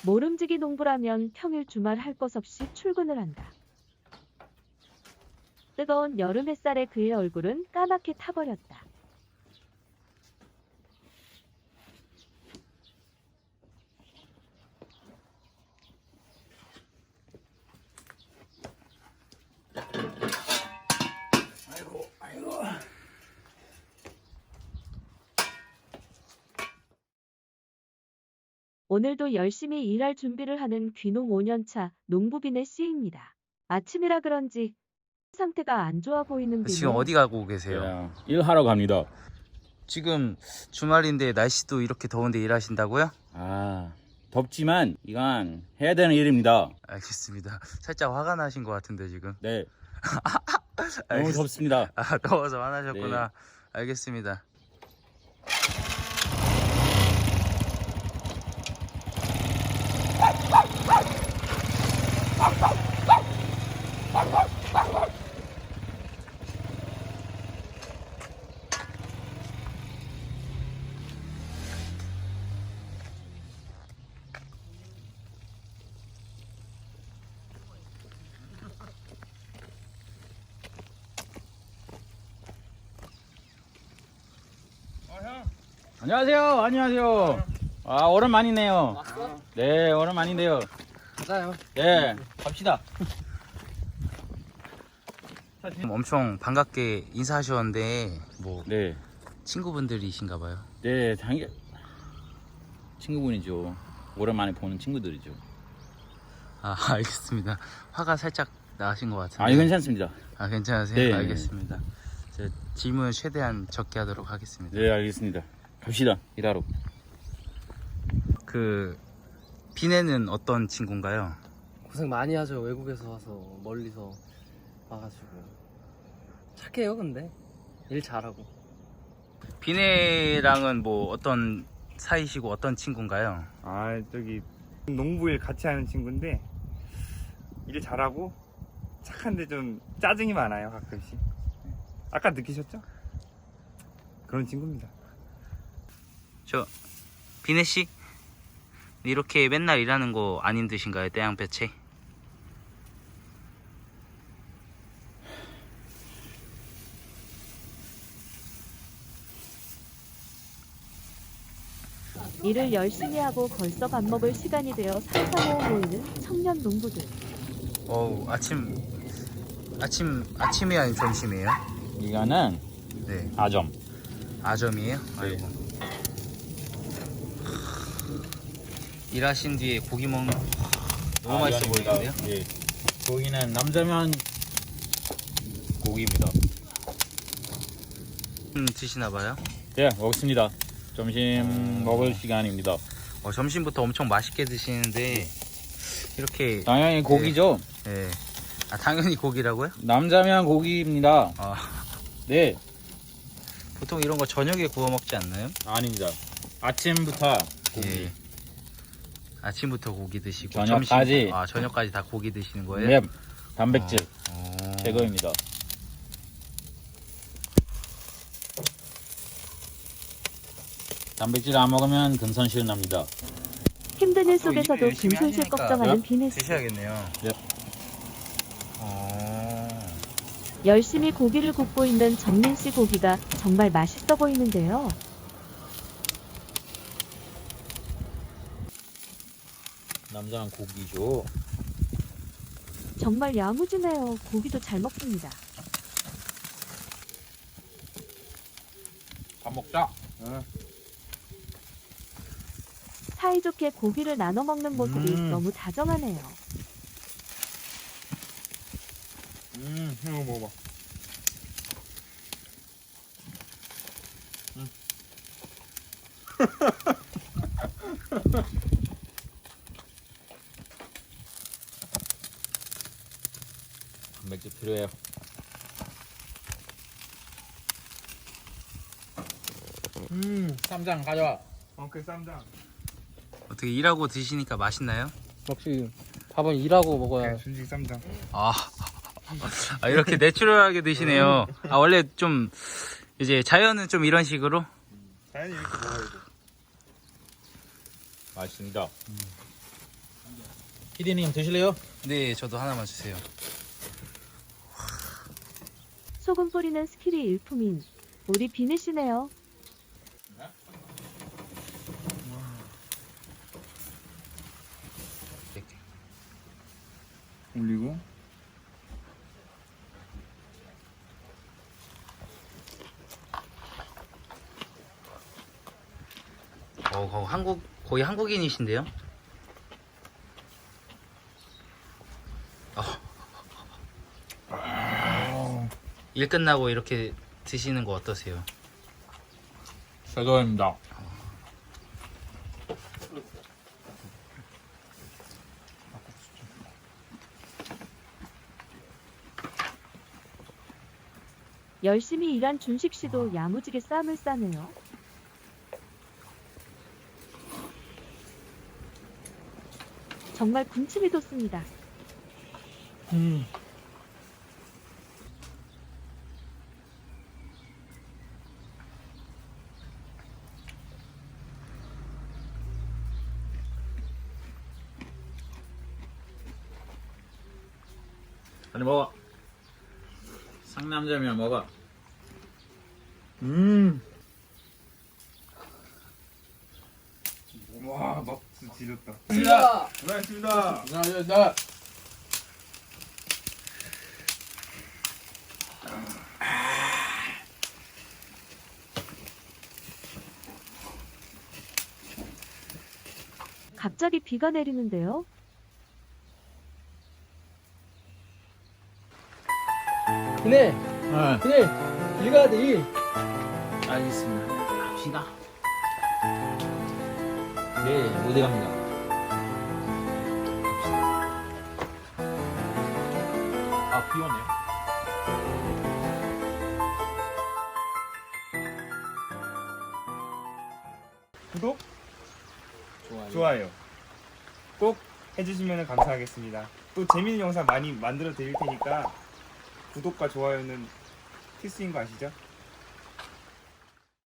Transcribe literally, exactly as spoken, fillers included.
모름지기 농부라면 평일 주말 할 것 없이 출근을 한다. 뜨거운 여름 햇살에 그의 얼굴은 까맣게 타버렸다. 아이고, 아이고. 오늘도 열심히 일할 준비를 하는 귀농 오 년 차 농부 비네 씨입니다. 아침이라 그런지 상태가 안 좋아 보이는 비네. 지금 어디 가고 계세요? 야, 일하러 갑니다. 지금 주말인데 날씨도 이렇게 더운데 일하신다고요? 아, 덥지만 이건 해야 되는 일입니다. 알겠습니다. 살짝 화가 나신 것 같은데 지금. 네. 너무 알겠- 덥습니다. 아, 더워서 화나셨구나. 알겠습니다. 안녕하세요. 안녕하세요. 아, 오랜만이네요. 왔어? 네, 오랜만인데요. 가자요. 네, 갑시다. 엄청 반갑게 인사하셨는데 뭐 네, 친구분들이신가 봐요. 네, 당연 친구분이죠. 오랜만에 보는 친구들이죠. 아, 알겠습니다. 화가 살짝 나신 것 같은데. 아니, 괜찮습니다. 아, 괜찮으세요? 네. 알겠습니다. 저 질문 최대한 적게 하도록 하겠습니다. 네, 알겠습니다. 갑시다. 일하러. 그 비네는 어떤 친구인가요? 고생 많이 하죠. 외국에서 와서 멀리서 와가지고 착해요. 근데 일 잘하고. 비네랑은 뭐 어떤 사이시고 어떤 친구인가요? 아 저기 농부일 같이 하는 친구인데 일 잘하고 착한데 좀 짜증이 많아요 가끔씩. 아까 느끼셨죠? 그런 친구입니다. 저 비네 씨 이렇게 맨날 일하는 거 안 힘드신가요? 떼양볕에? 일을 열심히 하고 벌써 밥 먹을 시간이 되어 삼삼오오 모이는 청년 농부들. 어우, 아침 아침 아침이 아닌 점심이에요? 이거는 네. 아점. 아점이에요? 아이고. 일하신 뒤에 고기 먹는 너무 맛있어 보이는데요? 예. 고기는 남자면 고기입니다. 음, 드시나 봐요? 네, 먹습니다. 점심 먹을 시간입니다. 어, 점심부터 엄청 맛있게 드시는데 이렇게 당연히 고기죠. 예. 아, 당연히 고기라고요? 남자면 고기입니다. 아, 네, 보통 이런 거 저녁에 구워 먹지 않나요? 아닙니다. 아침부터 고기. 예. 아침부터 고기 드시고 저녁까지. 점심, 아, 저녁까지 다 고기 드시는 거예요? 네, 단백질 어. 최고입니다. 단백질 안 먹으면 근손실 납니다. 힘든 일 또 속에서도 일을 열심히 근손실 하시니까 걱정하는 비네 씨. 드셔야겠네요. 네. 어. 열심히 고기를 굽고 있는 정민 씨 고기가 정말 맛있어 보이는데요. 남자는 고기죠. 정말 야무지네요. 고기도 잘 먹습니다. 밥 먹자. 사이좋게 고기를 나눠 먹는 모습이 음. 너무 다정하네요. 음, 이거 먹어봐. 음. 단백질 필요해요. 음, 쌈장 가져와. 엉클 쌈장. 어떻게 일하고 드시니까 맛있나요? 역시 밥은 일하고 먹어야. 네, 준식 쌈장. 아, 아, 이렇게 내추럴하게 드시네요. 아, 원래 좀 이제 자연은 좀 이런 식으로? 자연히 이렇게 먹어야 돼. 맛있습니다. 피디님 드실래요? 네, 저도 하나만 주세요. 소금 뿌리는 스킬이 일품인 우리 비네 씨네요. 올리고 어, 거 한국 거의 한국인이신데요? 어. 일 끝나고 이렇게 드시는 거 어떠세요? 최고입니다. 열심히 일한 준식 씨도 야무지게 쌈을 싸네요. 정말 군침이 돋습니다. 음. 빨리 먹어. 상남자면 먹어. 음. 와, 막수 지렸다. 자, 고생하셨습니다. 자, 자, 자. 갑자기 비가 내리는데요. 비네, 네. 비네, 일 가야 돼, 일. 알겠습니다. 갑시다. 네, 어디 갑니다. 아, 비 오네요. 구독, 좋아요. 좋아요 꼭 해주시면 감사하겠습니다. 또 재밌는 영상 많이 만들어 드릴 테니까 구독과 좋아요는 필수인 거 아시죠?